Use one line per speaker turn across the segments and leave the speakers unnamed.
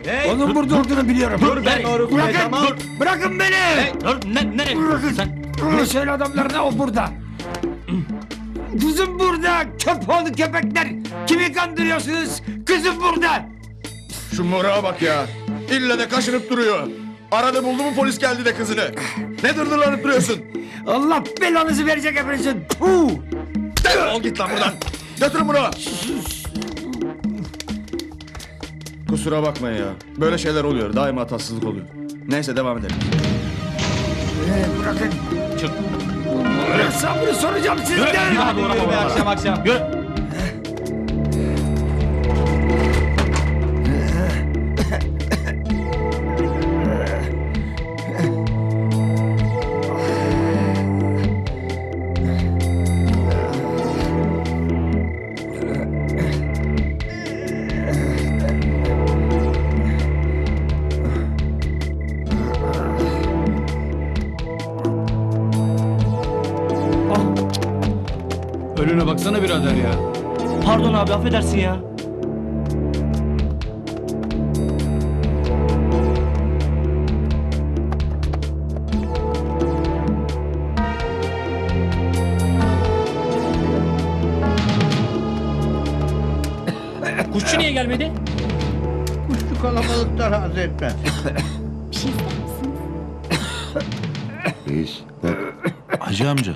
Hey,
Onun burada olduğunu biliyorum.
dur ben doğru
Bırakın,
tamam.
bırakın beni.
Hey, dur nereye gidiyorsun sen?
Bunu söyle adamlarına, o burada. Kızım burada. Köpoğlu köpekler. Kimi kandırıyorsunuz? Kızım burada.
Şu morağa bak ya. İlle de kaşınıp duruyor. Arada buldu mu polis geldi de kızını. Ne dırdırlanıp duruyorsun?
Allah belanızı verecek hepinizin. Puh.
Defol git lan buradan. Götürün bunu. Kusura bakmayın ya. Böyle şeyler oluyor. Daima tatsızlık oluyor. Neyse devam edelim.
Bırakın.
Çık.
Hesabını soracağım
Yürü.
sizden.
Hadi yürü be akşam akşam. Yürü.
Önüne baksana birader ya.
Pardon abi affedersin ya. Kuşçu niye gelmedi?
Kuşlu kalabalıklar haz etmez.
Bir şey ister misiniz?
Reis bak.
Hacı amca.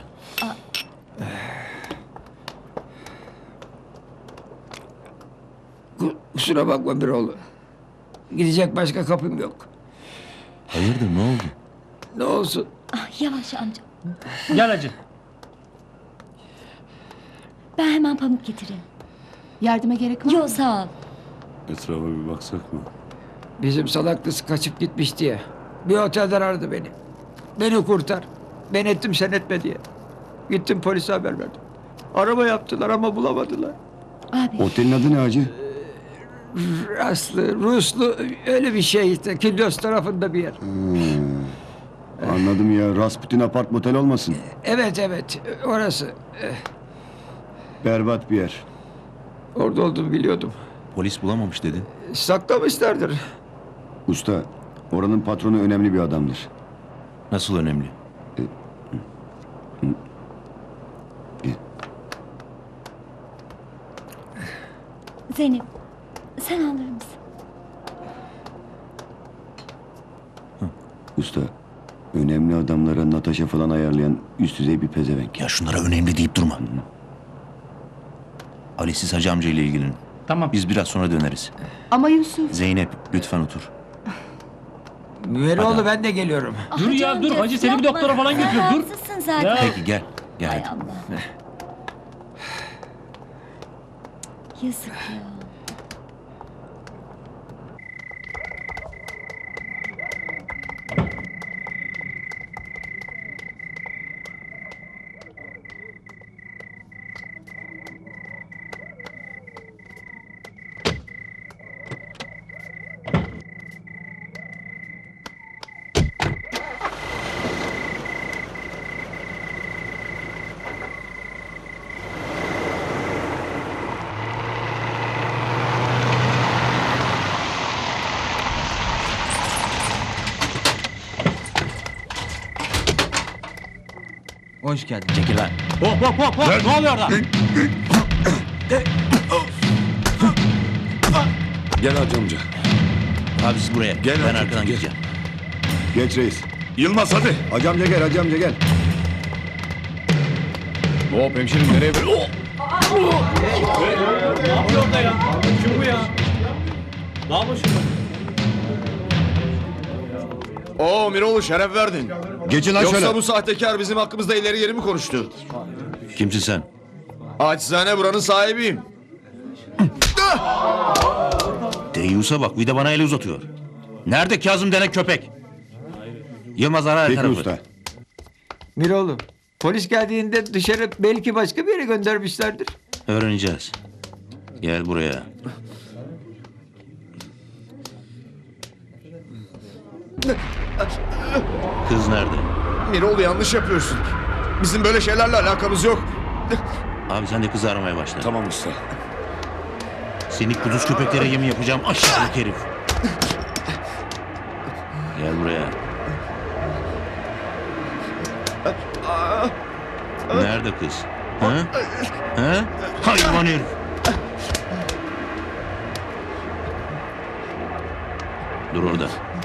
Kusura bakma Biroğlu. Gidecek başka kapım yok.
Hayırdır ne oldu?
Ne olsun.
Ah, yavaş amca.
Gel hacı.
Ben hemen pamuk getireyim.
Yardıma gerek var mı?
Yok sağ ol.
Etrafa bir baksak mı?
Bizim salaklısı kaçıp gitmiş diye. Bir otelden aradı beni. Beni kurtar. Ben ettim sen etme diye. Gittim polise haber verdim. Arama yaptılar ama bulamadılar.
Abi
Otelin adı ne hacı?
Aslı, Ruslu öyle bir şey işte. Kilyos tarafında bir yer.
Anladım ya. Rasputin apart motel olmasın?
Evet evet orası.
Berbat bir yer.
Orada olduğumu biliyordum.
Polis bulamamış dedin.
Saklamışlardır.
Usta, oranın patronu önemli bir adamdır.
Nasıl önemli?
Zeynep sen alır mısın?
Usta, önemli adamlara Natasha falan ayarlayan üst düzey bir pezevenk.
Ya şunlara önemli deyip durma. Ali siz Hacı amca ile ilgilenin.
Tamam.
Biz biraz sonra döneriz.
Ama Yusuf.
Zeynep lütfen otur.
Müveroğlu
Hadi.
ben de geliyorum.
Dur ya, dur. Hacı seni bir
yapma.
doktora falan
Sen
götür, dur.
rahatsızsın zaten.
Ya.
Peki gel. Gel
Hay
hadi.
Allah. Yazık ya.
Hoş geldin.
Çekil lan.
Hop hop hop hop. Ne oluyor orada?
Gel hacı amca.
Abi siz buraya.
Gel
ben
hadi,
arkadan
gel.
gideceğim.
Geç reis.
Yılmaz hadi.
Hacı amca gel, hacı amca gel.
Hop hemşerim nereye?
Ne yapıyor orada ya? Kim bu ya? Ne yapıyorsun?
Oo Miroğlu şeref verdin.
Geçin lan
Yoksa
şöyle.
bu sahtekar bizim hakkımızda ileri geri mi konuştu?
Kimsin sen?
Acizane buranın sahibiyim.
Deyyus'a bak bir de bana el uzatıyor. Nerede Kazım denen köpek? Yılmaz ara her
Peki
tarafı.
usta.
Miroğlu polis geldiğinde dışarı belki başka bir yere göndermişlerdir.
Öğreneceğiz. Gel buraya. Kız nerede?
Miroğlu yanlış yapıyorsun. Bizim böyle şeylerle alakamız yok.
Abi sen de kızı aramaya başla.
Tamam usta.
Seni kuduz köpeklere yem yapacağım aşağılık herif. Gel buraya. Nerede kız? Ha? Ha? Hayvan herif. Dur orada.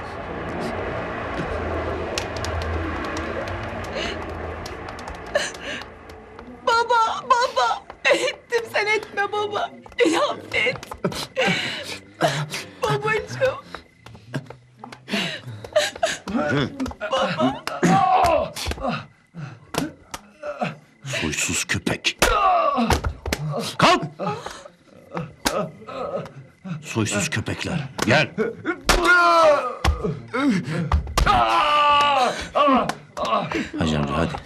Baba. Ettim sen etme baba. Beni affet. Babacığım.
Soysuz köpek. Kalk! Soysuz köpekler. Gel. Hacı amca hadi.